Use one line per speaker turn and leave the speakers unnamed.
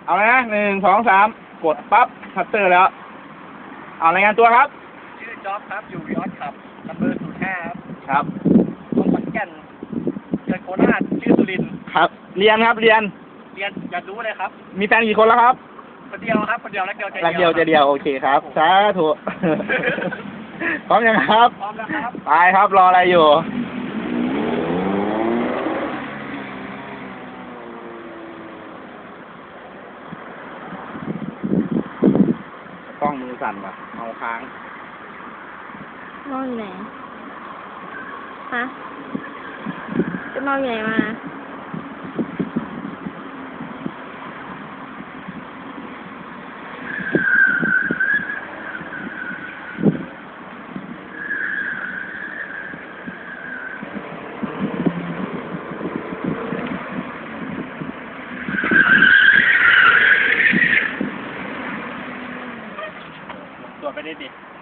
เอาเลยนะ1 2 3กดปั๊บคัตเตอร์แล้วเอารายงานตัวครับ
ชื่อจ๊อบครับอยู่ยอดครับลำเบอร์05ครับ
ครับ
คนขอนแก่นเกิดโคราชชื่อสุรินทร์
ครับเรียนครับเรียน
อยากรู้เลยครับ
มีแฟนกี่คนแล้วครับ
คนเดียวครับคนเดียวรักเดียวใจ
รักเดียวใจเดียวโอเคครับสาธุพร้อมยังครับ
พร้อมแล้วครับ
ไปครับรออะไรอยู่กล้องมือสั่นว่ะเอาค้าง
นอนอยู่ไหนฮะจะนอนอยู่ไหนมา
ตรวจไปได้ดิ